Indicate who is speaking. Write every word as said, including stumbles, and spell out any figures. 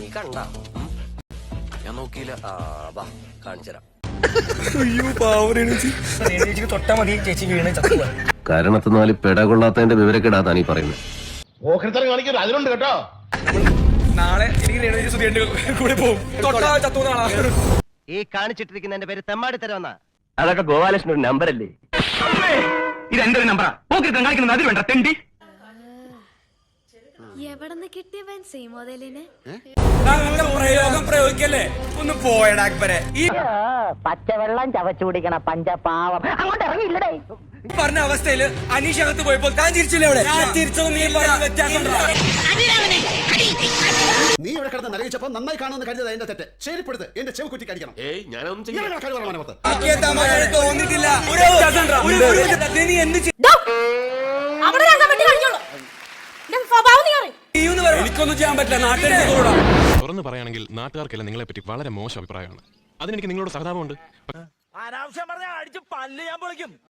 Speaker 1: നീ കണ്ട ഞാൻ നോക്കിയില്ല. ആ വാ കാണിച്ചരാം.
Speaker 2: തൊട്ടാ മതി ചേച്ചി വീണ് ചത്തുക.
Speaker 3: കാരണത്തിനാല് പെട കൊള്ളാത്തതിന്റെ വിവരക്കെടാ താനീ പറയുന്നത്.
Speaker 4: അതിലുണ്ട് കേട്ടോ.
Speaker 2: നാളെ എനിക്ക് രേണുജി സുധിയുടെ കൂടെ പോകും. തൊട്ടാ ചത്തു നാളാ.
Speaker 1: ഈ കാണിച്ചിട്ടിരിക്കുന്നതിന്റെ പേര് തെമ്മാടി തരവെന്നാ.
Speaker 3: അതൊക്കെ ഗോപാലകൃഷ്ണൻ ഒരു നമ്പർ അല്ലേ?
Speaker 5: ഇത് എന്റെ ഒരു നമ്പറാ. പോക്കിരുത്തം കാണിക്കുന്നത് അതിൽ വേണ്ട തെണ്ടി.
Speaker 6: എവിടെന്ന് കിട്ടിയവൻ സീമോദലിനെ
Speaker 2: പ്രയോഗം പ്രയോഗിക്കല്ലേ? ഒന്ന് പോയടാ അക്ബരെ. ഈ
Speaker 7: പച്ചവെള്ളം ചവച്ചു കുടിക്കണ പഞ്ചപാവം അങ്ങോട്ട് ഇറങ്ങിയില്ലടേ.
Speaker 2: പറഞ്ഞ അവസ്ഥയില് അനീഷ് അകത്ത് പോയപ്പോൾ താൻ ചിരിച്ചില്ലേ? അവിടെ ഞാൻ ചിരിച്ചത് നീ പറഞ്ഞ വ്യത്യാസം.
Speaker 4: നീ ഇവിടെ കിടന്ന് നരകിച്ചപ്പോ നന്നായി കാണുന്ന കരുതത് എന്റെ തെറ്റ്. ശരിപ്പെടുത്ത് എന്റെ ചെവ് കുറ്റി കടിക്കണം.
Speaker 1: ഏയ് ഞാനൊന്നും
Speaker 2: തോന്നിട്ടില്ല. നീ എന്ത് എനിക്കൊന്നും ചെയ്യാൻ പറ്റില്ല. നാട്ടിൽ
Speaker 8: തുറന്നു പറയുകയാണെങ്കിൽ നാട്ടുകാർക്കല്ല നിങ്ങളെ പറ്റി വളരെ മോശം അഭിപ്രായമാണ്. അതിനെനിക്ക് നിങ്ങളോട് സഹതാപമുണ്ട്.